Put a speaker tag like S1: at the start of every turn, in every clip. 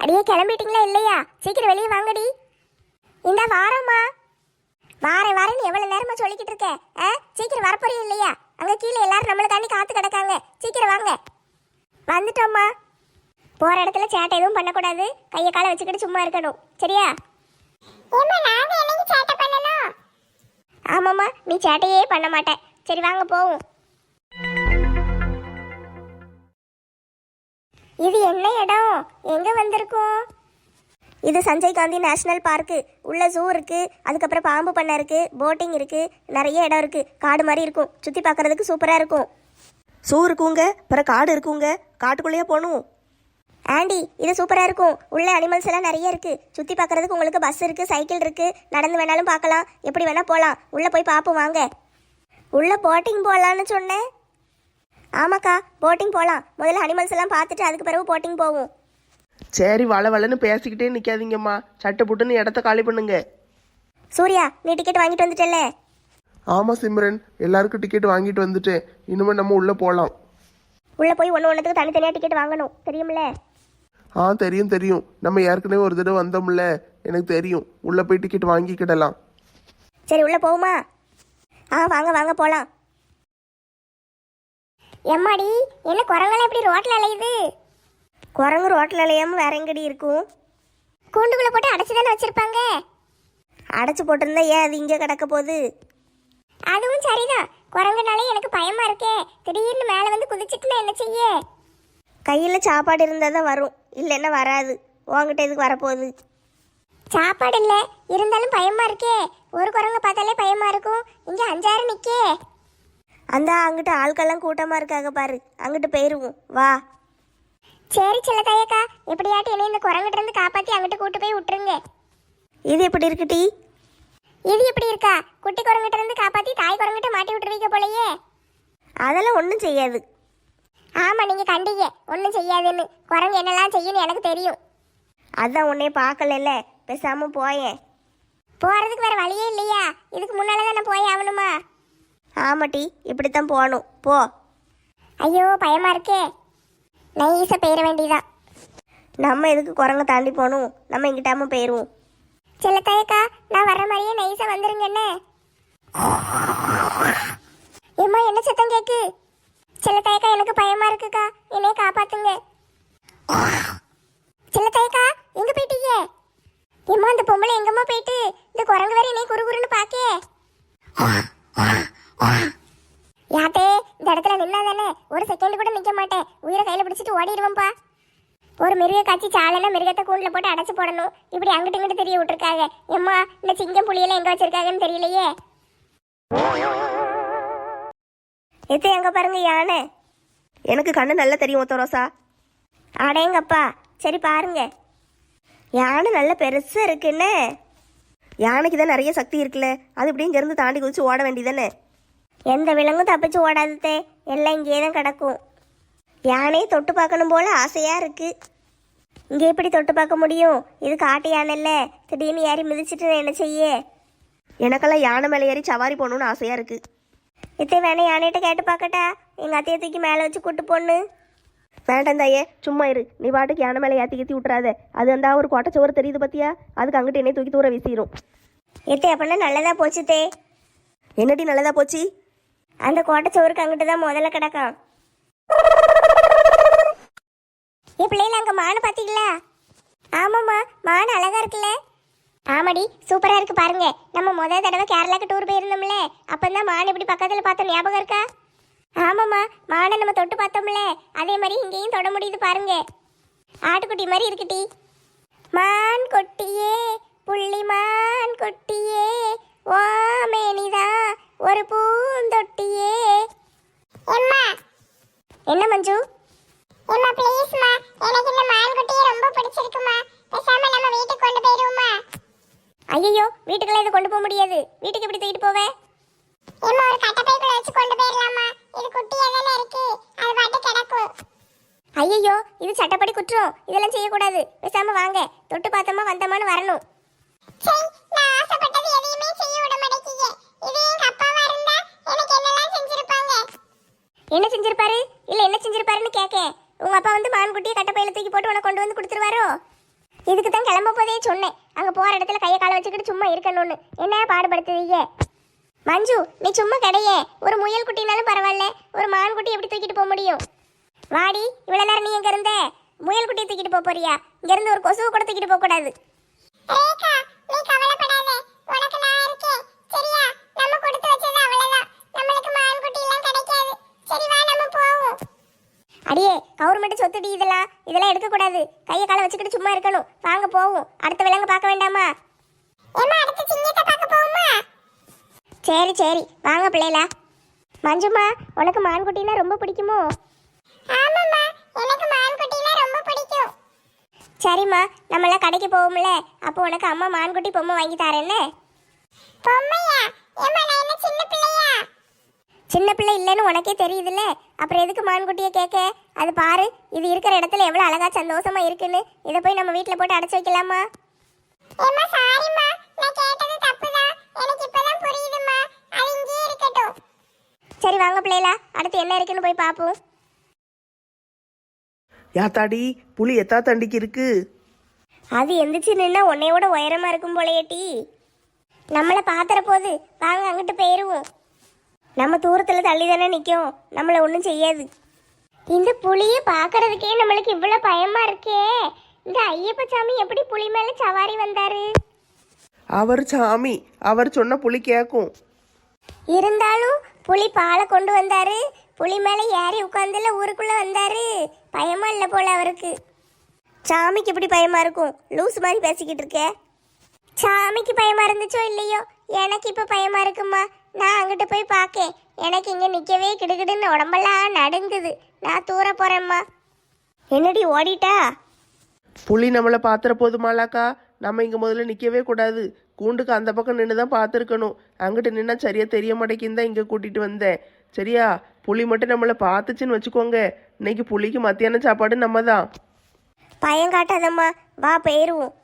S1: அடியே கிளம்பிட்டீங்களா இல்லையா? சீக்கிரம் வெளியே வாங்கடி. இந்த வாரம்மா. வாரேன் வாரேன்னு எவ்வளவு நேரமா சொல்லிக்கிட்டு இருக்க? சீக்கிரம் வரப்போறியா இல்லையா? அங்க கீழே எல்லாரும் நம்மளுக்காண்டி காத்து கிடக்காங்க. சீக்கிரம் வாங்க. வந்துட்டோம்மா. போற இடத்துல சேட்டை எதுவும் பண்ணக்கூடாது. கையை காலை வச்சுக்கிட்டு சும்மா இருக்கணும். சரியா? ஆமாம்மா, நீ சேட்டையே பண்ண மாட்டேன். சரி வாங்க போவோம். இது என்ன இடம்? எங்க வந்திருக்கோம்? இது சஞ்சய் காந்தி நேஷனல் பார்க்கு. உள்ள ஜூ இருக்கு, அதுக்கப்புறம் பாம்பு பண்ணை இருக்கு, போட்டிங் இருக்கு, நிறைய இடம் இருக்கு. காடு மாதிரி இருக்கும், சுத்தி பார்க்கறதுக்கு சூப்பரா இருக்கும்.
S2: ஜூ இருக்குங்க, அப்புறம் காடு இருக்குங்க. காட்டுக்குள்ளேயே போகணும்.
S1: ஆண்டி, இது சூப்பரா இருக்கும். உள்ள அனிமல்ஸ் எல்லாம் நிறைய இருக்கு. சுத்தி பார்க்கறதுக்கு உங்களுக்கு பஸ் இருக்கு, சைக்கிள் இருக்கு, நடந்து வேணாலும் பார்க்கலாம், எப்படி வேணா போகலாம். உள்ள போய் பார்ப்போம் வாங்க. உள்ள போட்டிங் போகலான்னு சொன்னேன். ஆமாக்கா, போட்டிங் போகலாம். முதல்ல அனிமல்ஸ் எல்லாம் பார்த்துட்டு அதுக்கு பிறகு போட்டிங் போவோம்.
S2: சரி, வளன்னு பேசிக்கிட்டே நிற்காதீங்கம்மா. சட்டை புட்டுன்னு இடத்த காலி பண்ணுங்க.
S1: சூர்யா, நீ டிக்கெட் வாங்கிட்டு வந்துட்டல?
S3: ஆமாம் சிம்ரன், எல்லாருக்கும் டிக்கெட் வாங்கிட்டு வந்துட்டேன். இனிமேல் நம்ம உள்ளே போகலாம்.
S1: உள்ள போய் ஒன்றுத்துக்கு தனித்தனியாக டிக்கெட் வாங்கணும், தெரியுமில்ல?
S3: தெரியும். நம்ம ஏற்கனவே ஒரு தடவை வந்தோம்ல, எனக்கு தெரியும். உள்ளே போய் டிக்கெட் வாங்கிக்கிடலாம்.
S1: சரி, உள்ள போகுமா? வாங்க வாங்க போகலாம். எம்மாடி, என்ன குரங்கெல்லாம் எப்படி ரோட்டில் அலையுது?
S2: குரங்கு ரோட்டில் அலையாமல் வேற எங்கடி இருக்கும்?
S1: கூண்டுக்குள்ளே போட்டு அடைச்சி தானே வச்சிருப்பாங்க.
S2: அடைச்சி போட்டிருந்தா ஏன் அது இங்கே கிடக்க போகுது?
S1: அதுவும் சரிதான். குரங்குனாலே எனக்கு பயமா இருக்கே. திடீர்னு மேலே வந்து குதிச்சுட்டுனா என்ன செய்ய?
S2: கையில் சாப்பாடு இருந்தால் தான் வரும், இல்லைன்னா வராது. உங்ககிட்ட எதுக்கு வரப்போகுது?
S1: சாப்பாடு இல்லை, இருந்தாலும் பயமா இருக்கே. ஒரு குரங்க பார்த்தாலே பயமா இருக்கும். இங்கே 5-6 நிற்கே.
S2: அந்த அங்கிட்ட ஆட்கள்லாம் கூட்டமாக இருக்காங்க பாரு, அங்கிட்டு போயிடுவோம் வா.
S1: சரி செல்லத்தாயக்கா, எப்படியாட்டி என்னை இந்த குரங்கிட்ட இருந்து காப்பாற்றி அங்கிட்டு கூட்டு போய் விட்டுருங்க.
S2: இது எப்படி இருக்குடி?
S1: இது எப்படி இருக்கா? குட்டி குரங்கிட்ட இருந்து காப்பாற்றி தாய் குரங்கிட்ட மாட்டி விட்டுருவீங்க போலயே.
S2: அதெல்லாம் ஒன்றும் செய்யாது.
S1: ஆமாம், நீங்கள் கண்டீங்க ஒன்றும் செய்யாதுன்னு. குரங்கு என்னெல்லாம் செய்யணும் எனக்கு தெரியும்.
S2: அதான் உன்னைய பார்க்கல, பேசாமல் போயேன்.
S1: போகிறதுக்கு வேறு வழியே இல்லையா? இதுக்கு முன்னால் தான் நான் போய் ஆகணுமா?
S2: ஆமாட்டி, இப்படித்தான் போகணும், போ.
S1: ஐயோ, பயமா இருக்கே. நைஸாக போயிட வேண்டியதான்.
S2: நம்ம எதுக்கு குரங்க தாண்டி போகணும்? நம்ம இங்கிட்டாம போயிடுவோம்.
S1: செல்லத்தாயக்கா, நான் வர்ற மாதிரியே நைஸாக வந்துருங்க. என்ன ஏம்மா, என்ன சத்தம் கேக்கு? செல்லத்தாயக்கா, எனக்கு பயமா இருக்குக்கா, என்னைய காப்பாத்துங்க. செல்லத்தாயக்கா, எங்க போயிட்டீங்க? ஏம்மா, அந்த பொம்பளை எங்கம்மா போயிட்டு? இந்த குரங்கு வேற என்னைய குறுகுறுன்னு பாக்கே. யாத்தே, இந்த இடத்துல நின்னா தானே ஒரு செகண்ட் கூட நிக்க மாட்டேன். உயிரை கையில பிடிச்சிட்டு ஓடிடுவோம்ப்பா. ஒரு மிருக காட்சி சாலைன்னா மிருகத்தை கூண்டுல போட்டு அடைச்சு போடணும். இப்படி அங்கிட்டு இங்கிட்டு தெரிய விட்டுருக்காங்க. எம்மா, இந்த சிங்கம் புளியெல்லாம் எங்க வச்சிருக்காங்கன்னு தெரியலையே.
S2: எத்த எங்க பாருங்க யானை. எனக்கு கண்ணு நல்லா தெரியும் ஒத்த ரோசா.
S1: அடேங்கப்பா, சரி பாருங்க.
S2: யானை நல்ல பெருசா இருக்குன்னு. யானைக்கு தான் நிறைய சக்தி இருக்குல்ல, அது இப்படி இருந்து தாண்டி குதிச்சு ஓட வேண்டியதானே.
S1: எந்த விலங்கும் தப்பிச்சு ஓடாததே, எல்லாம் இங்கே தான் கிடக்கும்.
S2: யானையை தொட்டு பார்க்கணும் போல ஆசையா இருக்கு.
S1: இங்கே எப்படி தொட்டு பார்க்க முடியும்? இது காட்டு யானை இல்லை. திடீர்னு ஏறி மிதிச்சிட்டு நான் என்ன செய்ய?
S2: எனக்கெல்லாம் யானை மேலே ஏறி சவாரி போகணுன்னு ஆசையா இருக்கு.
S1: இத்தை வேணா யானைகிட்ட கேட்டு பார்க்கட்டா? எங்கள் அத்தையை தூக்கி மேலே வச்சு கூட்டு போன்னு.
S2: வேண்டாம் தாயே, சும்மா இரு. நீ பாட்டுக்கு யானை மேலே ஏற்றி கீத்தி விட்டுறாத. அது அந்த ஒரு கோட்டச்சோறு தெரியுது பத்தியா, அதுக்கு அங்கிட்டு என்னை தூக்கி தூர வீசிடும்.
S1: எத்தை அப்படின்னா நல்லதா போச்சுத்தே.
S2: என்னடி நல்லதா போச்சு?
S1: அந்த கோட்டைச்சோருக்கு அங்கிட்டு தான் முதல்ல கிடக்கும். பிள்ளைல அங்கே மானு பார்த்தீங்களா? ஆமாம்மா, மானு அழகா இருக்குல்ல? ஆமாடி, சூப்பராக இருக்கு பாருங்க. நம்ம முதல் தடவை கேரளாக்கு டூர் போயிருந்தோம்ல, அப்பந்தான் மான் இப்படி பக்கத்தில் பார்த்தோம், ஞாபகம் இருக்கா? ஆமாம்மா, மானை நம்ம தொட்டு பார்த்தோம்ல, அதே மாதிரி இங்கேயும் தொட முடியுது பாருங்க. ஆட்டுக்குட்டி மாதிரி இருக்குட்டி. மான் கொட்டியே புள்ளி மான் கொட்டியே ஓமேனிதா ஒரு பூந்தொட்டியே. என்ன மஞ்சு?
S4: அம்மா ப்ளீஸ்மா, எனக்கு இந்த மான்குட்டியை ரொம்ப பிடிச்சிருக்குமா. பேசாம நம்ம வீட்டுக்கு கொண்டு போயிடுவோமா?
S1: ஐயோ, வீட்டுக்கெல்லாம் இதை கொண்டு போக முடியாது. வீட்டுக்கு எப்படி தூக்கிட்டு போவே?
S4: அம்மா, ஒரு கட்டப்பைக்குள்ள வச்சு கொண்டு போயிடலாமா? இது குட்டியா தானே இருக்கு, அது பாட்டு கிடக்கும்.
S1: ஐயோ, இது சட்டப்படி குற்றம். இதெல்லாம் செய்யக்கூடாது. பேசாம வாங்க, தொட்டு பார்த்தோமா வந்தோமான்னு வரணும்.
S4: சரி, நான் ஆசைப்பட்டது எதையுமே செய்ய விட மாட்டேங்க. இது எங்க அப்பாவா இருந்தா எனக்கு என்னெல்லாம் செஞ்சிருப்பாங்க.
S1: என்ன செஞ்சிருப்பாரு? இல்ல என்ன செஞ்சிருப்பாருன்னு கேட்க. உங்க அப்பா வந்து மான்குட்டியை கட்டப்பையில தூக்கி போட்டு உனக்கு கொண்டு வந்து கொடுத்துருவாரோ? இதுக்கு தான் கிளம்ப போதே சொன்னேன், அங்க போற இடத்துல கையை காலை வச்சுக்கிட்டு சும்மா இருக்கணும்னு. என்ன பாடுபடுத்துவீங்க? மஞ்சு, நீ சும்மா கிடையே. ஒரு முயல் குட்டினாலும் பரவாயில்ல, ஒரு மான் குட்டி எப்படி தூக்கிட்டு போக முடியும்? வாடி, இவ்வளவு நேரம் நீ எங்க இருந்த? முயல் குட்டியை தூக்கிட்டு போக போறியா? இங்க இருந்து ஒரு கொசுவை கூட தூக்கிட்டு போக கூடாது.
S4: ரேகா, நீ கவலைப்படாத. உனக்கு நான் இருக்கேன். சரியா? நம்ம கொடுத்து வச்சது அவ்வளவுதான். நம்மளுக்கு மான்குட்டி எல்லாம் கிடைக்காது. சரி வா, நம்ம போவோம்.
S1: அடியே, கவர்மெண்ட் சொத்துடி இதெல்லாம் எடுக்க கூடாது. கையை காலை வச்சுக்கிட்டு சும்மா இருக்கணும். வாங்க போவோம். அடுத்த விலங்கு பார்க்க வேண்டாமா?
S4: ஏம்மா, அடுத்து சிங்கத்தை பார்க்க போவோமா?
S1: சரி சரி, வாங்க பிள்ளைகளா. மஞ்சுமா, உனக்கு மான்குட்டினா ரொம்ப பிடிக்குமோ?
S4: ஆமாம்மா, எனக்கு மான்குட்டினா ரொம்ப பிடிக்கும்.
S1: சரிம்மா, நம்மளாம் கடைக்கு போவோம்ல, அப்போ உனக்கு அம்மா மான்குட்டி பொம்மை வாங்கி தரேன்னு.
S4: பொம்மையா? ஏம்மா, நான் என்ன சின்ன பிள்ளையா?
S1: சின்ன பிள்ளை இல்லைன்னு உனக்கே தெரியுதுல்ல, அப்புறம் எதுக்கு மான்குட்டியை கேட்க? அது பாரு, இது இருக்கிற இடத்துல எவ்வளோ அழகா சந்தோஷமா இருக்குன்னு. இதை போய் நம்ம வீட்டில் போட்டு அடைச்சி வைக்கலாமா?
S4: ஏம்மா, சாரிம்மா, நான் கேட்டது தப்புதான். எனக்கு இப்பதான் புரியுதும்மா. அது இங்கேயே இருக்கட்டும்.
S1: சரி வாங்க பிள்ளைகளா, அடுத்து என்ன இருக்குன்னு போய் பார்ப்போம்.
S2: யாத்தாடி, புலி எத்தா தண்டிக்கு இருக்கு?
S1: அது எந்திரிச்சு நின்னா உன்னையோட உயரமா இருக்கும் போலையேட்டி. நம்மளை பாத்திர போது, வாங்க அங்கிட்டு போயிருவோம். நம்ம தூரத்துல தள்ளி தானே நிற்கும், நம்மளை ஒன்றும் செய்யாது. இந்த புலியை பார்க்கறதுக்கே நம்மளுக்கு இவ்வளோ பயமா இருக்கே. இந்த ஐயப்ப சாமி எப்படி புலி மேலே சவாரி வந்தாரு?
S2: அவர் சாமி, அவர் சொன்ன புலி கேட்கும்.
S1: இருந்தாலும் புலி பாலை கொண்டு வந்தாரு, புலி மேலே ஏறி உட்காந்துல ஊருக்குள்ள வந்தாரு. பயமா இல்லை போல அவருக்கு. சாமிக்கு எப்படி பயமா இருக்கும்? லூஸ் மாதிரி பேசிக்கிட்டு இருக்க. சாமிக்கு பயமா இருந்துச்சோ இல்லையோ, எனக்கு இப்போ பயமா இருக்குமா. நான் அங்கிட்டு போய் பார்க்கேன். எனக்கு இங்கே நிற்கவே கிடுகிடுன்னு உடம்பெல்லாம் நடுங்குது. நான் தூர போறேம்மா. என்னடி ஓடிட்டா?
S2: புலி நம்மளை பாத்திர போதுமாலாக்கா? நம்ம இங்கே முதல்ல நிற்கவே கூடாது. கூண்டுக்கு அந்த பக்கம் நின்று தான் பார்த்துருக்கணும். அங்கிட்டு நின்னா சரியா தெரிய மாட்டேங்குன்னு தான் இங்கே கூட்டிகிட்டு வந்தேன். சரியா? புலி மட்டும் நம்மளை பார்த்துச்சுன்னு வச்சுக்கோங்க, இன்னைக்கு புலிக்கு மத்தியான சாப்பாடு நம்ம தான்.
S1: பயம் காட்டாதம்மா, வா போயிருவோம்.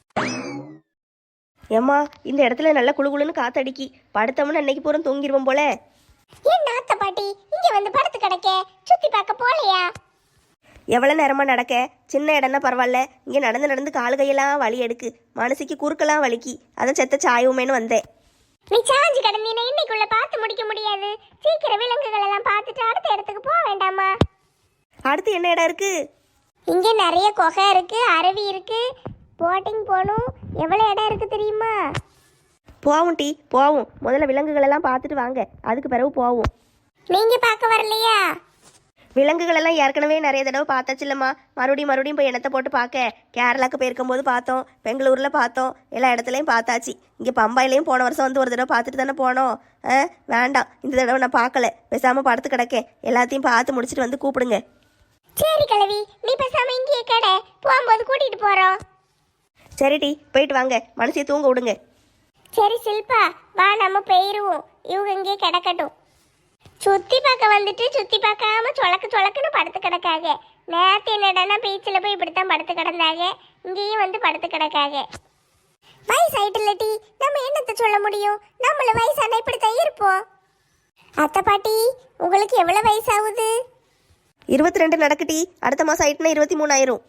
S2: ஏம்மா, இந்த இடத்துல நல்லா குளுகுளுன்னு காத்தடிக்கி படுத்தோம்னா இன்னைக்கு பூரா தூங்கிடுவோம் போல.
S1: ஏன் நாத்த பாட்டி இங்க வந்து படுத்து கிடக்க? சுத்தி பார்க்க போலையா?
S2: எவ்வளோ நேரமாக நடக்க? சின்ன இடம்னா பரவாயில்ல, இங்கே நடந்து நடந்து காலு கையெல்லாம் வலி எடுக்கு, மனசுக்கு குறுக்கெல்லாம் வலிக்கி. அதை செத்த சாயுமேன்னு வந்தேன்.
S1: நீ சாஞ்சு கிடந்தீனா இன்னைக்குள்ள பார்த்து முடிக்க முடியாது. சீக்கிரம் விலங்குகள் எல்லாம் பார்த்துட்டு அடுத்த இடத்துக்கு போக வேண்டாமா?
S2: அடுத்து என்ன இடம் இருக்கு?
S1: இங்கே நிறைய குகை இருக்கு, அருவி இருக்கு, போட்டிங் போகணும். எவ்வளோ இடம் இருக்கு தெரியுமா?
S2: போவோம் டி, போவோம். முதல்ல விலங்குகளெல்லாம் பார்த்துட்டு வாங்க, அதுக்கு பிறகு போவோம்.
S1: நீங்க பார்க்க வரலையா?
S2: விலங்குகளெல்லாம் ஏற்கனவே நிறைய தடவை பார்த்தாச்சு இல்லைம்மா. மறுபடியும் போய் எண்ணத்தை போட்டு பார்க்க. கேரளாக்கு போயிருக்கும்போது பார்த்தோம், பெங்களூரில் பார்த்தோம், எல்லா இடத்துலையும் பார்த்தாச்சு. இங்கே பம்பாயிலையும் போன வருஷம் வந்து ஒரு தடவை பார்த்துட்டு தானே போனோம். வேண்டாம், இந்த தடவை நான் பார்க்கல, பேசாமல் படுத்து கிடக்கேன். எல்லாத்தையும் பார்த்து முடிச்சுட்டு வந்து கூப்பிடுங்க.
S1: சரி கிழவி, நீ பேசாம இங்கேயே கடை, போகும்போது கூட்டிட்டு போறோம்.
S2: சரி டி, போயிட்டு வாங்க, மனசையை தூங்க விடுங்க.
S1: சரி சில்பா, வா நம்ம போயிருவோம். இவங்க இங்கே கிடக்கட்டும். சுத்தி பார்க்க வந்துட்டு சுத்தி பார்க்காம சொலக்குன்னு படுத்து கிடக்காக. நேற்று என்னடானா பீச்சில் போய் இப்படித்தான் படுத்து கிடந்தாங்க, இங்கேயும் வந்து படுத்து கிடக்காக. வயசாயிட்டுல டி, நம்ம என்னத்தை சொல்ல முடியும்? நம்மள வயசான இப்படித்தான் இருப்போம். அத்தை பாட்டி, உங்களுக்கு எவ்வளவு வயசாகுது?
S2: 22 நடக்குட்டி. அடுத்த மாதம் ஆயிட்டுனா 23 ஆயிரும்.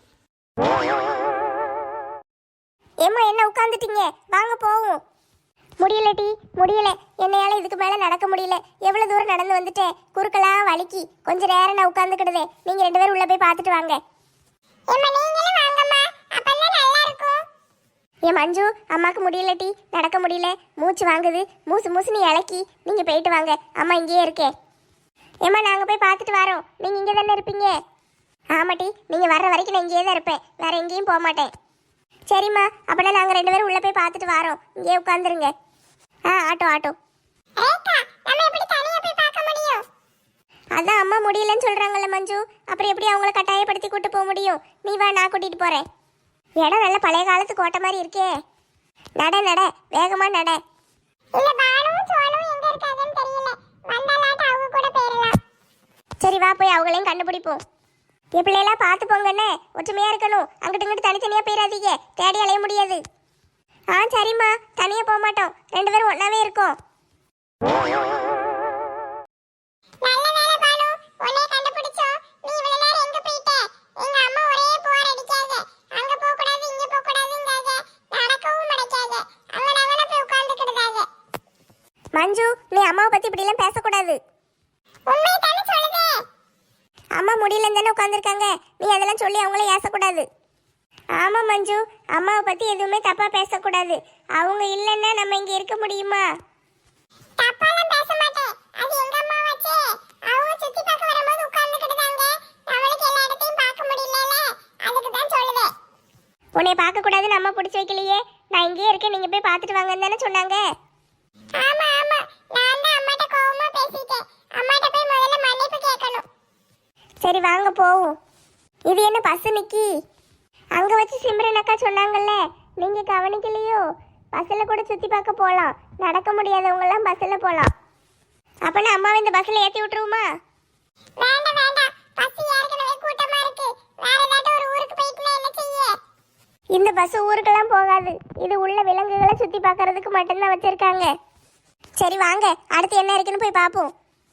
S1: ஏம்மா என்ன உட்காந்துட்டீங்க? வாங்க போவோம். முடியல டி, முடியல. என்னையால இதுக்கு மேல நடக்க முடியல. எவ்வளவு தூரம் நடந்து வந்துட்டேன், குறுக்கெல்லாம் வலிக்கி. கொஞ்ச நேரம் நான் உட்காந்துக்கிடுதே. நீங்க 2 பேரும் உள்ள போய் பார்த்துட்டு வாங்க.
S4: ஏம்மா, நீங்களும் வாங்கம்மா, அப்பதான் நல்லா இருக்கும்.
S1: ஏன் மஞ்சு, அம்மாக்கு முடியல டி, நடக்க முடியல, மூச்சு வாங்குது, மூசுன்னு இலக்கி. நீங்க போயிட்டு வாங்க, அம்மா இங்கேயே இருக்கே. ஏம்மா, நாங்க போய் பார்த்துட்டு வரோம். நீங்க இங்கே தானே இருப்பீங்க? ஆமா டி, நீங்க வர்ற வரைக்கும் நான் இங்கேயே தான் இருப்பேன், வேற எங்கேயும் போக மாட்டேன். சரிம்மா, அப்படின்னா நாங்க 2 பேரும் உள்ள போய் பார்த்துட்டு வரோம். இங்கேயே உட்காந்துருங்க. ஆட்டோ.
S4: ரேகா, நம்ம எப்படி தனியா போய் பார்க்க முடியும்?
S1: அதான் அம்மா முடியலன்னு சொல்றாங்கல்ல மஞ்சு, அப்புறம் எப்படி அவங்கள கட்டாயப்படுத்தி கூட்டு போக முடியும்? நீ வா, நான் கூட்டிட்டு போறேன். இடம் நல்ல பழைய காலத்து கோட்டை மாதிரி இருக்கே. நட, வேகமா நட.
S4: இல்ல, பானுவும் சோனுவும் எங்க இருக்காங்கன்னு தெரியல. வந்தாலாட்ட அவங்க கூட போயிடலாம்.
S1: சரி வா, போய் அவங்களையும் கண்டுபிடிப்போம். என் பிள்ளையெல்லாம் பார்த்து போங்கண்ணே, ஒற்றுமையா இருக்கணும். அங்கிட்டு இங்கிட்டு தனித்தனியா போயிடாதீங்க, தேடி அலைய முடியாது. சரிம்மா, தனியா போக மாட்டோம், 2 பேரும் ஒன்னாவே இருக்கோம்.
S4: நல்ல வேளை பானு, உன்னை கண்டுபிடிச்சோம். நீ இவ்வளவு நேரம் எங்க போயிட்ட? எங்க அம்மா ஒரே போர் அடிக்காங்க. அங்க போக கூடாது, இங்க போக
S1: உட்காந்துருக்காங்க. நீ அதெல்லாம் சொல்லி அவங்கள ஏசக்கூடாது. ஆமா மஞ்சு, அம்மாவை பத்தி எதுவுமே தப்பா பேசக்கூடாது. அவங்க இல்லைன்னா நம்ம இங்க இருக்க முடியுமா?
S4: தப்பாலாம் பேச மாட்டேன். அது எங்க அம்மாவாச்சே. அவங்க சுத்தி பார்க்க வரும்போது உட்கார்ந்துக்கிட்டாங்க. அவளுக்கு எல்லா இடத்தையும் பார்க்க முடியலல. அதுக்கு தான் சொல்லுவேன்.
S1: உன்னை பார்க்க கூடாதுன்னு அம்மா பிடிச்சி வைக்கலையே. நான் இங்கேயே இருக்கேன், நீங்க போய் பார்த்துட்டு வாங்கன்னு தானே சொன்னாங்க.
S4: ஆமா ஆமா, நான் தான் அம்மாட்ட கோவமா பேசிட்டேன். அம்மாட்ட போய் முதல்ல மன்னிப்பு கேட்கணும்.
S1: சரி வாங்க போவோம். இது என்ன பஸ் நிக்கி? அங்க வச்சு சிம்ரன் அக்கா சொன்னாங்கல்ல, நீங்க கவனிக்கலையோ? பஸ்ல கூட சுத்தி பார்க்க போலாம். நடக்க முடியாதவங்க எல்லாம் பஸ்ல போலாம். அப்பனா அம்மாவை இந்த பஸ்ல ஏத்தி விட்டுருவோமா?
S4: வேண்டாம் வேண்டாம், பஸ் ஏற்கனவே கூட்டமா இருக்கு. வேற ஏதாவது ஒரு ஊருக்கு போயிட்டுனா என்ன செய்ய?
S1: இந்த பஸ் ஊருக்கெல்லாம் போகாது. இது உள்ள விலங்குகளை சுத்தி பார்க்கறதுக்கு மட்டும்தான் வச்சிருக்காங்க. சரி வாங்க, அடுத்து என்ன இருக்குன்னு போய் பார்ப்போம்.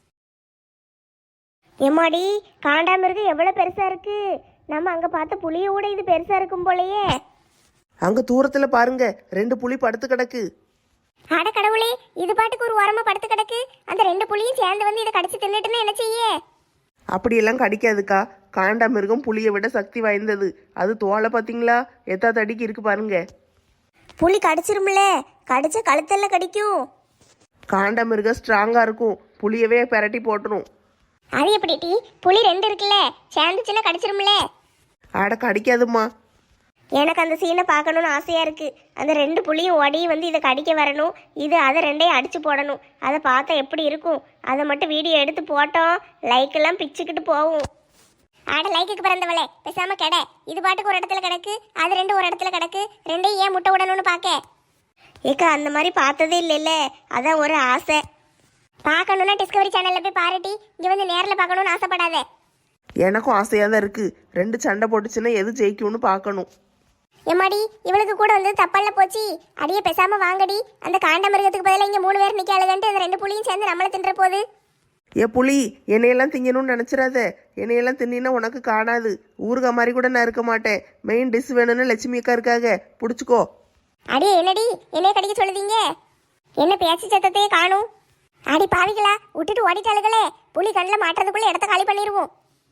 S1: எம்மாடி, காண்டாமிருகம் எவ்வளவு பெருசா இருக்கு. நம்ம அங்க பார்த்த புளிய கூட இது பெருசா இருக்கும் போலயே.
S2: அங்க தூரத்துல பாருங்க, 2 புலி படுத்து கிடக்கு.
S1: அட கடவுளே, இது பாட்டுக்கு ஒரு ஓரமா படுத்து கிடக்கு. அந்த 2 புலியும் சேர்ந்து வந்து இதை கடிச்சு தின்னுட்டுன்னு என்ன செய்ய?
S2: அப்படியெல்லாம் கடிக்காதுக்கா. காண்டாமிருகம் புலியை விட சக்தி வாய்ந்தது. அது தோலை பார்த்தீங்களா, எத்தா தடிக்கு இருக்கு பாருங்க.
S1: புலி கடிச்சிரும்ல, கடிச்ச கழுத்தெல்லாம் கடிக்கும்.
S2: காண்டாமிருகம் ஸ்ட்ராங்கா இருக்கும், புலியவே பிரட்டி போட்டுரும்.
S1: அது எப்படி டி? புலி 2 இருக்குல்ல, சேர்ந்துச்சுன்னா கடிச்சிரும்ல.
S2: ஆட கடிக்காதுமா.
S1: எனக்கு அந்த சீனை பார்க்கணும்னு ஆசையா இருக்கு. அந்த 2 புலியும் ஓடி வந்து இதை கடிக்க வரணும். இது அதை 2ஐயும் அடிச்சு போடணும். அதை பார்த்தா எப்படி இருக்கும்? அதை மட்டும் வீடியோ எடுத்து போட்டோம், லைக் எல்லாம் பிச்சுக்கிட்டு போகும். ஆட லைக்குக்கு பிறந்தவளே, பேசாம கடை. இது பாட்டுக்கு ஒரு இடத்துல கிடக்கு, அது 2 ஒரு இடத்துல கிடக்கு. 2ஐயும் ஏன் முட்டை விடணும்னு பார்க்க? ஏக்கா அந்த மாதிரி பார்த்ததே இல்லைல்ல, அதான் ஒரு ஆசை. பார்க்கணுன்னா டிஸ்கவரி சேனல்ல போய் பாருட்டி. இங்க வந்து நேரில் பார்க்கணும்னு ஆசைப்படாத.
S2: எனக்கும் ஆசையாக தான் இருக்கு. 2 சண்டை போட்டுச்சுன்னா எது ஜெயிக்கும்னு பார்க்கணும்.
S1: எம்மாடி, இவளுக்கு கூட வந்து தப்பல்ல போச்சு. அடியே பேசாம வாங்கடி. அந்த காண்டாமிருகத்துக்கு பதிலாக இங்க 3 பேர் நிக்காளுகன்ட்டு அந்த 2 புலியும் சேர்ந்து நம்மள தின்ற போது.
S2: ஏ புலி, என்னையெல்லாம் திங்கணும்னு நினச்சிடாத. என்னையெல்லாம் தின்னா உனக்கு காணாது. ஊறுகா மாதிரி கூட நான் இருக்க மாட்டேன். மெயின் டிஷ் வேணும்னு லட்சுமி அக்கா இருக்காக, பிடிச்சிக்கோ.
S1: அடியே என்னடி என்னைய கடிக்க சொல்லுதீங்க? என்ன பேச்சு சத்தத்தையே காணும். அடி பாவிகளா, விட்டுட்டு ஓடிட்டாளுகளே. புலி கண்ணில் மாட்டுறதுக்குள்ள இடத்த காலி பண்ணிடுவோம்.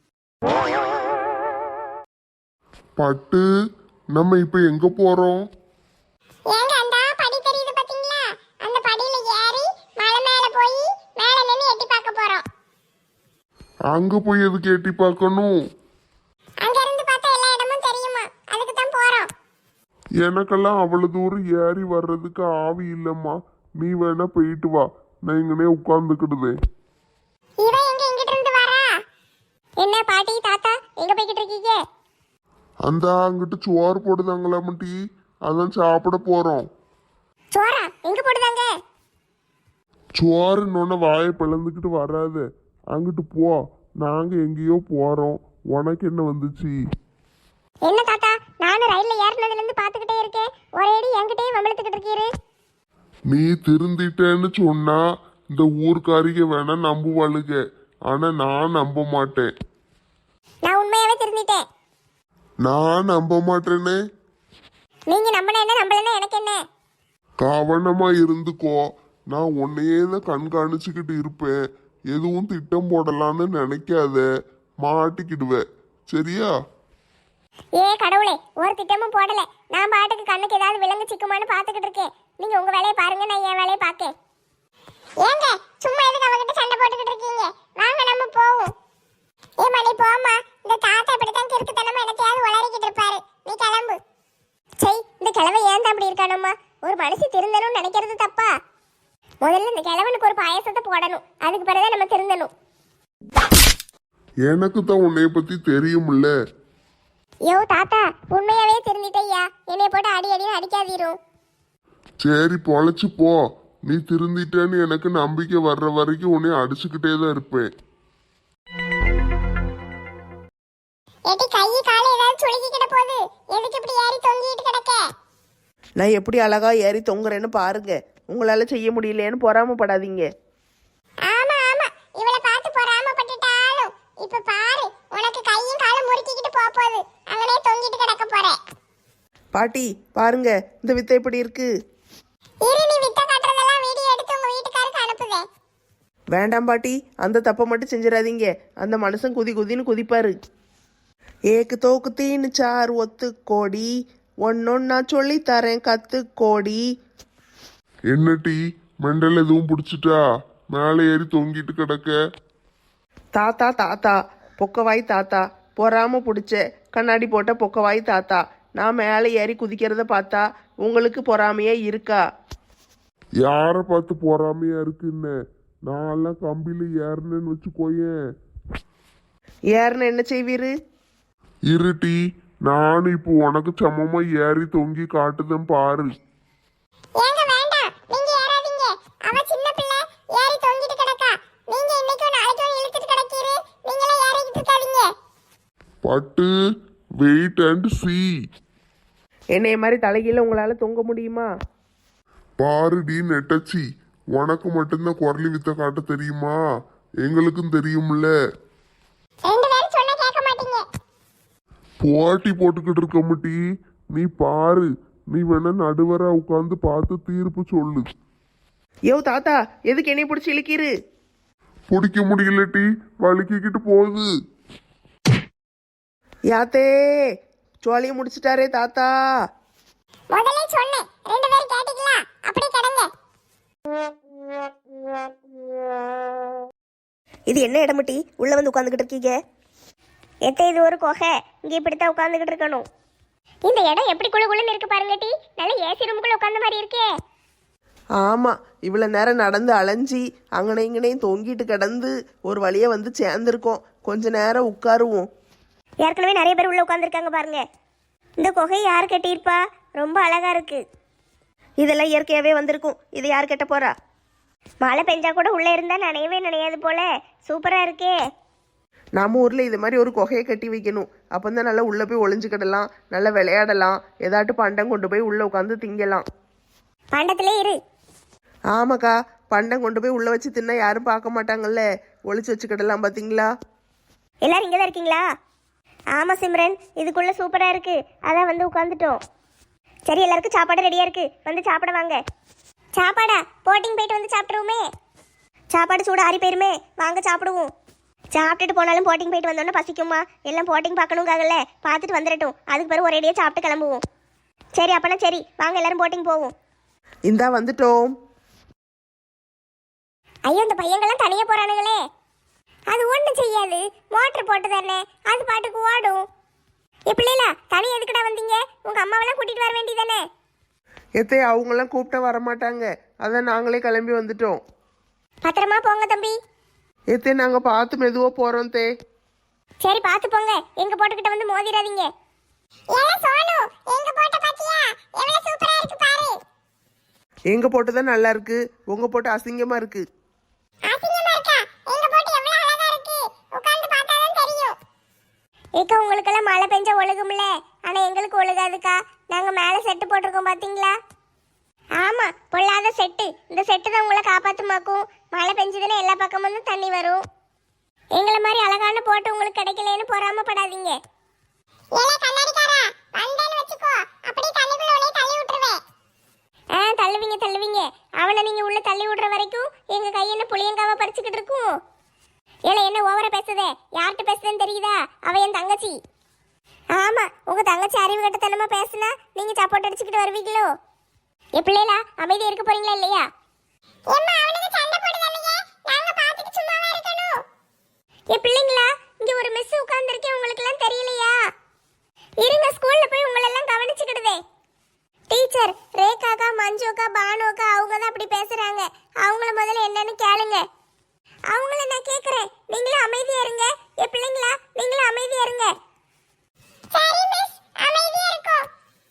S3: பட்டு, நம்ம இப்ப எங்க போறோம்?
S4: ஏங்க அந்த படி தெரியுது பாத்தீங்களா? அந்த படியில ஏறி மலை மேல போய் மேல நின்னு எட்டி பார்க்க போறோம்.
S3: அங்க போய் எதுக்கு எட்டி பார்க்கணும்?
S4: அங்க இருந்து பார்த்தா எல்லா இடமும் தெரியுமா, அதுக்கு தான் போறோம்.
S3: எனக்கெல்லாம் அவ்வளவு தூரம் ஏறி வர்றதுக்கு ஆவி இல்லம்மா. நீ வேணா போயிட்டு வா, நான் இங்கனே உட்கார்ந்துக்கிடுதேன்.
S4: இவ எங்க இங்கிட்ட இருந்து வரா?
S1: என்ன பாட்டி தாத்தா எங்க போய்கிட்டு இருக்கீங்க?
S3: அந்த அங்கிட்டு சோறு போடுதாங்களாமட்டி, அதான் சாப்பிட போறோம்.
S1: சோறா எங்க போடுதாங்க?
S3: சோறுன்னு வாயை பிளந்துக்கிட்டு வராத, அங்கிட்டு போ. நாங்க எங்கேயோ போறோம், உனக்கு என்ன வந்துச்சு?
S1: என்ன தாத்தா, நானும் ரயில்ல ஏறினதுல இருந்து பாத்துக்கிட்டே இருக்கேன். ஒரேடி என்கிட்டயே வம்பளத்துக்கிட்டு இருக்கீரு.
S3: நீ திருந்திட்டேன்னு சொன்னா இந்த ஊர்க்காரிக வேணா நம்புவாளுக, ஆனா நான் நம்ப மாட்டேன்.
S1: நான் உண்மையாவே திருந்திட்டேன்.
S3: நான் நம்ப மாட்டேனே.
S1: நீங்க நம்பினா என்ன, நம்பலன்னா எனக்கு என்ன?
S3: கவனமா இருந்துக்கோ. நான் உன்னையே தான் கண்காணிச்சுக்கிட்டு இருப்பேன். எதுவும் திட்டம் போடலான்னு நினைக்காத, மாட்டிக்கிடுவேன். சரியா?
S1: ஏ கடவுளே, ஒரு திட்டமும் போடல. நான் பாட்டுக்கு கண்ணுக்கு ஏதாவது விலங்கு சிக்குமான்னு பாத்துக்கிட்டு இருக்கேன். நீங்க உங்க வேலையை பாருங்க, நான் என் வேலையை பார்க்கேன்.
S4: ஏங்க சும்மா எதுக்கு அவகிட்ட சண்டை போட்டுக்கிட்டு இருக்கீங்க? வாங்க நம்ம போவோம். ஏ மணி போம்மா, இந்த தாத்தா இப்படித்தான் கிறுக்குத்தனமா எனக்கையாவது உளறிக்கிட்டு இருப்பாரு. நீ கிளம்பு.
S1: சரி, இந்த கிழவை ஏன் தான் அப்படி இருக்கானோம்மா? ஒரு மனுஷி திருந்தணும்னு நினைக்கிறது தப்பா? முதல்ல இந்த கிழவனுக்கு ஒரு பாயசத்தை போடணும், அதுக்கு பிறகுதான் நம்ம திருந்தணும்.
S3: எனக்கு தான் உன்னைய பத்தி தெரியும்ல.
S1: யோ தாத்தா, உண்மையாவே திருந்திட்டையா? என்னைய போட்டு அடி அடின்னு அடிக்காதீரும்.
S3: சரி பொழைச்சு போ. நீ திருந்திட்டேன்னு எனக்கு நம்பிக்கை வர்ற வரைக்கும் உன்னை அடிச்சுக்கிட்டே தான் இருப்பேன்.
S4: ஏட்டி கை கால ஏதாவது சுளுக்கிக்கிட்ட போகுது. எதுக்கு இப்படி ஏறி தொங்கிட்டு கிடக்க?
S2: நான் எப்படி அழகா ஏறி தொங்குறேன்னு பாருங்க. உங்களால செய்ய முடியலையேன்னு பொறாமப்படாதீங்க.
S4: ஆமா ஆமா, இவளை பார்த்து பொறாமப்பட்டுட்டாலும் இப்ப பாரு, உனக்கு கையும் காலும் முறுக்கிக்கிட்டு போகுது. அவனே தொங்கிட்டு கிடக்க போற.
S2: பாட்டி பாருங்க, இந்த வித்தை எப்படி இருக்கு.
S4: இரு, நீ வித்த காட்டுறதெல்லாம் வீடியோ எடுத்து உங்க வீட்டுக்காருக்கு அனுப்புதே.
S2: வேண்டாம் பாட்டி, அந்த தப்பை மட்டும் செஞ்சிடாதீங்க. அந்த மனுஷன் குதி குதின்னு குதிப்பாரு.
S5: ஏக்கு தோக்கு தீனு சார் ஒத்து கோடி ஒன்னொன்னா சொல்லி தரேன் கத்து கோடி.
S3: என்ன டீ மெண்டல் எதுவும் பிடிச்சிட்டா? மேலே ஏறி தொங்கிட்டு கிடக்க.
S5: தாத்தா தாத்தா பொக்கவாய் தாத்தா, பொறாம பிடிச்ச கண்ணாடி போட்ட பொக்கவாய் தாத்தா, நான் மேலே ஏறி குதிக்கிறத பார்த்தா உங்களுக்கு பொறாமையே இருக்கா?
S3: யாரை பார்த்து பொறாமையா இருக்குன்னு? நான்லாம் கம்பியில ஏறினேன்னு வச்சுக்கோயேன்.
S5: ஏறுன என்ன செய்வீரு?
S3: இருட்டி, நானும் இப்போ உனக்கு சமமா ஏறி தொங்கி காட்டுதேன் பாரு.
S4: ஏங்க வேண்டாம், நீங்க ஏறாதீங்க. அவ சின்ன பிள்ளை, ஏறி தொங்கிட்டு கிடக்கா. நீங்க இன்னைக்கோ நாளைக்கோ இழுத்துட்டு கிடக்கீரு. நீங்களே ஏறிக்கிட்டு இருக்காதீங்க.
S3: பட்டு வெயிட் அண்ட் சி.
S5: என்னைய மாதிரி தலைகீழ உங்களால தொங்க முடியுமா?
S3: பாருடி நெட்டச்சி, உனக்கு மட்டும்தான் குரலி வித்த காட்ட தெரியுமா? எங்களுக்கும் தெரியும்ல.
S4: ரெண்டு பேரும் சொன்னா கேட்க மாட்டீங்க.
S3: போட்டி போட்டுக்கிட்டு இருக்க முட்டி. நீ பாரு, நீ வேணா நடுவரா உட்கார்ந்து பார்த்து தீர்ப்பு சொல்லு.
S5: யோ தாத்தா, எதுக்கு என்னைய பிடிச்சி இழுக்கீரு?
S3: பிடிக்க முடியலட்டி, வலிக்கிக்கிட்டு போகுது.
S5: யாத்தே சோழிய முடிச்சிட்டாரே தாத்தா.
S4: முதல்ல சொன்னேன், ரெண்டு பேரும் கேட்டீங்களா? அப்படியே கிடங்க.
S2: இது என்ன இடமுட்டி உள்ள வந்து உட்காந்துக்கிட்டு இருக்கீங்க?
S1: எத்த இது ஒரு குகை, இங்கே இப்படித்தான் உட்காந்துக்கிட்டு இருக்கணும். இந்த இடம் எப்படி குளு குளுன்னு இருக்கு பாருங்க டி. நல்ல ஏசி ரூமுக்குள்ள உட்காந்த மாதிரி இருக்கே.
S5: ஆமா, இவ்வளவு நேரம் நடந்து அலைஞ்சி அங்கனை இங்கனையும் தொங்கிட்டு கிடந்து ஒரு வழியா வந்து சேர்ந்துருக்கோம். கொஞ்ச நேரம் உட்காருவோம்.
S1: ஏற்கனவே நிறைய பேர் உள்ள உட்காந்துருக்காங்க பாருங்க. இந்த குகை யார் கட்டியிருப்பா? ரொம்ப அழகா இருக்கு.
S2: இதெல்லாம் இயற்கையாவே வந்திருக்கும். இதை யார் கட்ட போறா?
S1: மழை பெஞ்சா கூட உள்ள இருந்தா நனையவே நனையாது போல. சூப்பரா இருக்கே.
S5: நம்ம ஊர்ல இது மாதிரி ஒரு குகையை கட்டி வைக்கணும். அப்பந்தான் நல்லா உள்ள போய் ஒளிஞ்சுக்கிடலாம், நல்லா விளையாடலாம், ஏதாட்டு பண்டம் கொண்டு போய் உள்ள உட்காந்து திங்கலாம்.
S1: பண்டத்திலே இரு.
S5: ஆமாக்கா, பண்டம் கொண்டு போய் உள்ள வச்சு தின்னா யாரும் பார்க்க மாட்டாங்கல்ல, ஒளிச்சு வச்சுக்கிடலாம். பாத்தீங்களா?
S1: எல்லாரும் இங்கே தான் இருக்கீங்களா? ஆமாம் சிம்ரன், இதுக்குள்ள சூப்பராக இருக்கு. அதான் வந்து உட்காந்துட்டோம். சரி, எல்லாருக்கும் சாப்பாடு ரெடியாக இருக்கு, வந்து சாப்பிட வாங்க. சாப்பாடா? போட்டிங் போயிட்டு வந்து சாப்பிட்ருவோமே. சாப்பாடு சூடு ஆறி போயிருமே, வாங்க சாப்பிடுவோம். சாப்பிட்டுட்டு போனாலும் போட்டிங் போயிட்டு வந்தோன்னே பசிக்குமா? எல்லாம் போட்டிங் பார்க்கணுங்காகல, பார்த்துட்டு வந்துடட்டும். அதுக்கு பிறகு ஒரேடியாக சாப்பிட்டு கிளம்புவோம். சரி அப்பனா சரி, வாங்க எல்லாரும் போட்டிங் போவோம்.
S5: இந்தா வந்துட்டோம்.
S1: ஐயோ, இந்த பையங்கள்லாம் தனியாக போகிறானுங்களே. அது ஒன்றும் செய்யாது, மோட்டர் போட்டு தானே, அது பாட்டுக்கு ஓடும். பிள்ளைல தனி எதுக்குடா வந்தீங்க? உங்க அம்மாவெல்லாம் கூட்டிட்டு வர வேண்டியதானே?
S5: எத்தே அவங்கெல்லாம் கூப்பிட்டா வரமாட்டாங்க, அதான் நாங்களே கிளம்பி வந்துட்டோம்.
S1: பத்திரமா போங்க தம்பி.
S5: எத்தே நாங்க பார்த்து மெதுவா போறோம் தே.
S1: சரி பார்த்து போங்க, எங்க போட்டுக்கிட்ட வந்து மோதிராதீங்க.
S4: ஏல சோனு, எங்க போட்ட பாத்தியா? எவ்வளவு சூப்பரா இருக்கு பாரு.
S5: எங்க போட்டுதான் நல்லா இருக்கு, உங்க போட்டு அசிங்கமா இருக்கு.
S4: அசிங்கமா இருக்கா? எங்க போட்டு எவ்வளவு அழகா இருக்கு. உட்கார்ந்து பார்த்தாதான் தெரியும்.
S1: ஏக்கா, உங்களுக்கெல்லாம் மழை பெஞ்சா ஒழுகும்ல, ஆனா எங்களுக்கு ஒழுகாதுக்கா. நாங்க மேல செட்டு போட்டிருக்கோம் பாத்தீங்களா? ஆமா, பொல்லாத செட்டு. இந்த செட்டு தான் உங்களை காப்பாத்துமாக்கும். மழை பெஞ்சதுன்னா எல்லா பக்கமும் தண்ணி வரும். எங்களை மாதிரி அழகான போட்டு உங்களுக்கு கிடைக்கலன்னு பொறாமப்படாதீங்க.
S4: ஏல கண்ணாடிக்காரா, வந்தேன்னு வெச்சுக்கோ, அப்படியே தண்ணிக்குள்ள உன்னை தள்ளி விட்டுருவேன்.
S1: தள்ளுவீங்க தள்ளுவீங்க. அவனை நீங்க உள்ள தள்ளி விடுற வரைக்கும் எங்க கை என்ன புளியங்காவா பறிச்சுக்கிட்டு இருக்கும். ஏல என்ன ஓவரா பேசுதே? யார்கிட்ட பேசுதுன்னு தெரியுதா? அவ என் தங்கச்சி. ஆமா, உங்க தங்கச்சி அறிவு கட்டத்தனமா பேசுனா நீங்க சப்போர்ட் அடிச்சுக்கிட்டு வருவீங்களோ? பிள்ளைகளா, அமைதியா இருக்க போறீங்களா இல்லையா?
S4: எம்மா அவனுக்கு சண்டை போடுதானே, நாங்க பாத்துட்டு சும்மாவா இருக்கணும்?
S1: பிள்ளைங்களா, இங்க ஒரு மிஸ் உட்கார்ந்திருக்கேன், உங்களுக்கு எல்லாம் தெரியலையா? இருங்க, ஸ்கூல்ல போய் உங்களை எல்லாம் கவனிச்சுக்கிடுதே. டீச்சர் ரேகாக்கா, மஞ்சுக்கா, பானுக்கா அவங்க தான் அப்படி பேசுறாங்க. அவங்கள முதல்ல என்னன்னு கேளுங்க. அவங்கள நான் கேக்குறேன், நீங்களும் அமைதியா இருங்க. பிள்ளைங்களா, நீங்களும் அமைதியா இருங்க.
S4: சரி மிஸ், அமைதியா இருக்கோம்.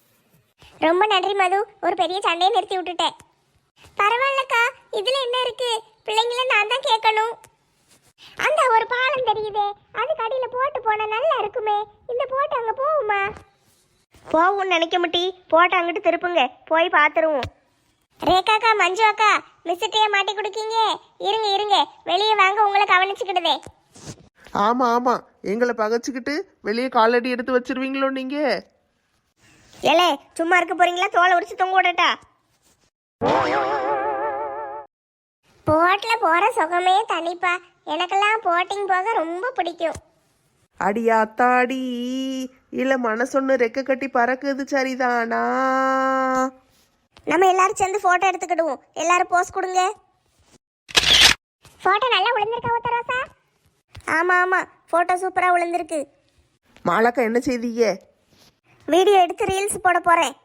S1: ரொம்ப நன்றி மது, ஒரு பெரிய சண்டையை நிறுத்தி விட்டுட்டேன். பரவாயில்லக்கா, இதுல என்ன இருக்கு? பிள்ளைங்கள நான் தான் கேட்கணும். அந்த ஒரு பாலம் தெரியுதே, அது கடையில போட்டு போனா நல்லா இருக்குமே. இந்த போட்டு அங்க போகுமா?
S2: போவோம்னு நினைக்க முட்டி, போட்டு அங்கிட்டு திருப்புங்க, போய் பார்த்துருவோம்.
S1: ரேகாக்கா, மஞ்சு அக்கா, மிஸ்ஸுட்டையே மாட்டி கொடுக்கீங்க. இருங்க இருங்க, வெளியே வாங்க, உங்களை கவனிச்சுக்கிடுதே.
S5: ஆமா ஆமா, எங்களை பகச்சுக்கிட்டு வெளியே காலடி எடுத்து வச்சிருவீங்களோ நீங்க?
S2: ஏலே, சும்மா இருக்க போறீங்களா? தோலை உரிச்சு தொங்க விடட்டா?
S1: போட்ல போற சுகமே தனிப்பா. எனக்கெல்லாம் போட்டிங் போக ரொம்ப பிடிக்கும்.
S5: அடியாத்தாடி இல்ல மனசொன்னு ரெக்க கட்டி பறக்குது சரிதானா?
S1: நம்ம எல்லாரும் சேர்ந்து போட்டோ எடுத்துக்கிடுவோம். எல்லாரும் போஸ் கொடுங்க.
S4: போட்டோ நல்லா விழுந்திருக்கா உத்தரவாசா?
S1: ஆமா ஆமா, போட்டோ சூப்பரா விழுந்திருக்கு.
S5: மாலாக்கா என்ன செய்தீங்க?
S1: வீடியோ எடுத்து ரீல்ஸ் போட போறேன்.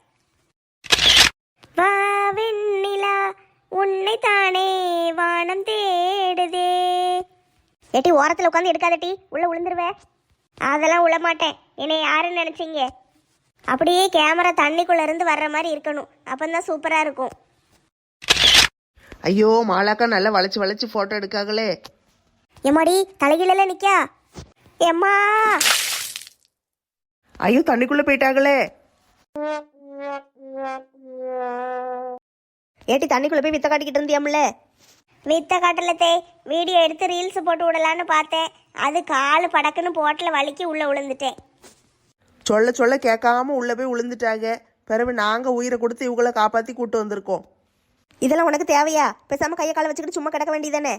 S1: வா வெண்ணிலா உன்னை தானே வானம் தேடுதே. ஏட்டி ஓரத்தில் உட்காந்து எடுக்காதட்டி, உள்ள விழுந்துருவே. அதெல்லாம் விழ மாட்டேன். என்னை யாருன்னு நினைச்சீங்க? அப்படியே கேமரா தண்ணிக்குள்ள இருந்து வர்ற மாதிரி இருக்கணும், அப்பந்தான் சூப்பரா இருக்கும்.
S5: ஐயோ மாலாக்கா நல்லா வளைச்சு வளைச்சு போட்டோ எடுக்காங்களே.
S1: எம்மாடி தலைகீழ நிக்கா. எம்மா
S5: ஐயோ தண்ணிக்குள்ள போயிட்டாங்களே.
S2: ஏட்டி தண்ணிக்குள்ள போய் வித்த காட்டிக்கிட்டு இருந்தியாம்ல?
S1: வித்த காட்டலத்தே, வீடியோ எடுத்து ரீல்ஸ் போட்டு விடலான்னு பார்த்தேன். அது காலு படக்குன்னு போட்டில் வலிக்கி உள்ள விழுந்துட்டேன்.
S5: சொல்ல சொல்ல கேட்காம உள்ள போய் விழுந்துட்டாங்க. பிறகு நாங்க உயிரை கொடுத்து இவங்கள காப்பாத்தி கூட்டு வந்திருக்கோம்.
S2: இதெல்லாம் உனக்கு தேவையா? பேசாம கையை காலை வச்சுக்கிட்டு சும்மா கிடக்க வேண்டியதானே?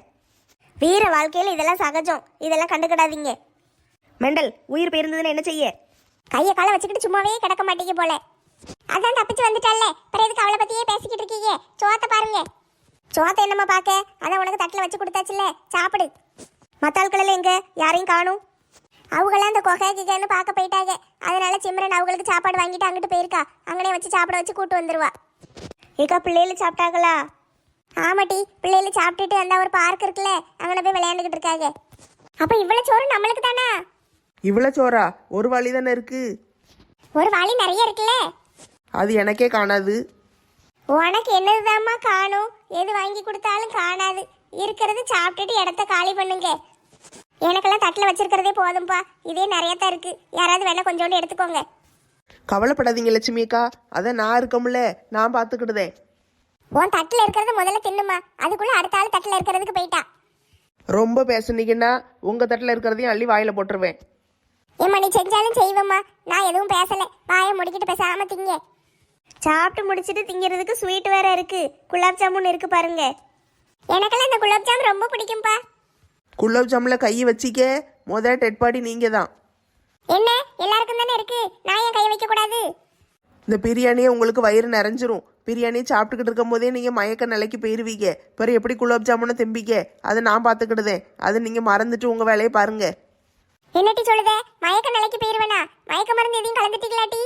S1: வீர வாழ்க்கையில் இதெல்லாம் சகஜம், இதெல்லாம் கண்டுக்கிடாதீங்க.
S2: மெண்டல், உயிர் போயிருந்ததுன்னு என்ன செய்ய?
S1: கையை காலை வச்சுக்கிட்டு சும்மாவே கிடக்க மாட்டீங்க போல.
S4: அதான் தப்பிச்சு வந்துட்டால, பிறகு எதுக்கு அவளை பத்தியே பேசிக்கிட்டு இருக்கீங்க? சோத்தை பாருங்க.
S1: சோத்தை என்னம்மா பார்க்க, அதான் உனக்கு தட்டில் வச்சு கொடுத்தாச்சுல்ல, சாப்பிடு. மற்ற ஆட்களில் எங்க யாரையும் காணும்.
S4: அவங்களாம் அந்த கொகை கிகன்னு பார்க்க போயிட்டாங்க.
S1: அதனால சிம்ரன் அவங்களுக்கு சாப்பாடு வாங்கிட்டு அங்கிட்டு போயிருக்கா. அங்கனே வச்சு சாப்பிட வச்சு கூட்டு வந்துருவா. ஏக்கா பிள்ளைகள் சாப்பிட்டாங்களா?
S4: ஆமாட்டி, பிள்ளைகளை சாப்பிட்டுட்டு அந்த ஒரு பார்க் இருக்குல்ல, அங்கே போய் விளையாண்டுக்கிட்டு இருக்காங்க. அப்ப இவ்வளவு சோறு நம்மளுக்கு தானா?
S5: இவ்வளவு சோறா? ஒரு வழி தானே இருக்கு.
S4: ஒரு வாளி நிறைய இருக்குல்ல.
S5: அது எனக்கே காணாது.
S1: உனக்கு என்னதுதாம்மா காணும்? எது வாங்கி கொடுத்தாலும் காணாது. இருக்கிறது சாப்பிட்டுட்டு இடத்த காலி பண்ணுங்க. எனக்கெல்லாம் தட்டில் வச்சிருக்கிறதே போதும்பா, இதே நிறைய தான் இருக்கு. யாராவது வேணா கொஞ்சோண்டு எடுத்துக்கோங்க.
S5: கவலைப்படாதீங்க லட்சுமி அக்கா, அதான் நான் இருக்கமுல்ல, நான் பார்த்துக்கிடுதேன்.
S4: உன் தட்டுல இருக்கிறத முதல்ல தின்னுமா, அதுக்குள்ள அடுத்த ஆள் தட்டுல இருக்கிறதுக்கு போயிட்டா.
S5: ரொம்ப பேசுனீங்கன்னா உங்க தட்டில் இருக்கிறதையும் அள்ளி வாயில போட்டுருவேன்.
S4: ஏம்மா நீ செஞ்சாலும் செய்வம்மா, நான் எதுவும் பேசல. வாயை முடிக்கிட்டு பேசாம திங்க.
S1: சாப்பிட்டு முடிச்சிட்டு திங்கிறதுக்கு ஸ்வீட் வேற இருக்கு. குலாப் ஜாமுன் இருக்கு பாருங்க.
S4: எனக்கெல்லாம் இந்த குலாப் ஜாம் ரொம்ப பிடிக்கும்பா.
S5: குலோப் ஜாமில் கையை வச்சிக்க, டெட் பாடி நீங்க தான்.
S4: என்ன எல்லாருக்கும் தானே இருக்கு, நான் ஏன் கை வைக்க கூடாது?
S5: இந்த பிரியாணியே உங்களுக்கு வயிறு நிறைஞ்சிரும். பிரியாணியை சாப்பிட்டுக்கிட்டு இருக்கும் போதே நீங்கள் மயக்க நிலைக்கு போயிருவீங்க. பிறகு எப்படி குலோப் ஜாமுனை திம்பிக்க? அதை நான் பார்த்துக்கிடுதேன். அதை நீங்கள் மறந்துட்டு உங்கள் வேலையை பாருங்க.
S4: என்னட்டி சொல்லுதே, மயக்க நிலைக்கு போயிருவேனா? மயக்க மருந்து எதையும் கலந்துட்டீங்களாட்டி?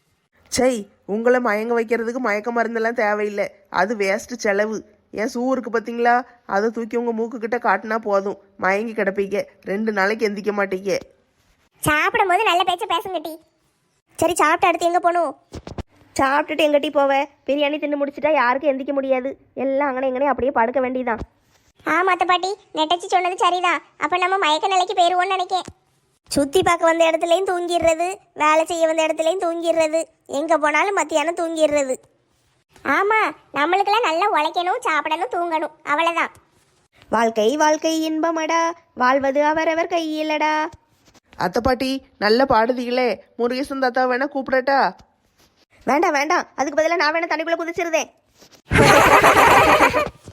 S5: சை, உங்களை மயங்க வைக்கிறதுக்கு மயக்க மருந்தெல்லாம் தேவையில்லை. அது வேஸ்ட் செலவு. என் ஷூ இருக்கு பார்த்தீங்களா, அதை தூக்கி உங்கள் மூக்குக்கிட்ட காட்டினா போதும், மயங்கி கிடப்பீங்க. 2 நாளைக்கு எந்திக்க மாட்டீங்க.
S1: சாப்பிடும் போது நல்ல பேச்ச பேசுங்கட்டி. சரி, சாப்பிட்டு அடுத்து எங்க போகணும்?
S2: சாப்பிட்டுட்டு எங்கட்டி போவேன்? பிரியாணி தின்னு முடிச்சிட்டா யாருக்கும் எந்திக்க முடியாது. எல்லாம் அங்கனே எங்கனே அப்படியே படுக்க வேண்டியதான்.
S1: ஆமாத்த பாட்டி, நெட்டச்சி சொன்னது சரிதான். அப்ப நம்ம மயக்க நிலைக்கு போயிருவோம்னு நினைக்கேன். சுத்தி பார்க்க வந்த இடத்துலையும் தூங்கிடுறது, வேலை செய்ய வந்த இடத்துலையும் தூங்கிடுறது, எங்க போனாலும் மத்தியானம் தூங்கிடுறது.
S4: ஆமா, நம்மளுக்கெல்லாம் நல்லா உழைக்கணும், சாப்பிடணும், தூங்கணும், அவ்வளவுதான்.
S2: வாழ்க்கை வாழ்க்கை இன்பமடா, வாழ்வது அவரவர் கையிலடா.
S5: அத்தை பாட்டி நல்ல பாடுதீங்களே, முருகேசன் தாத்தா வேணா கூப்பிடட்டா?
S2: வேண்டாம் வேண்டாம், அதுக்கு பதிலாக நான் வேணா தண்ணிக்குள்ள குதிச்சிருதேன்.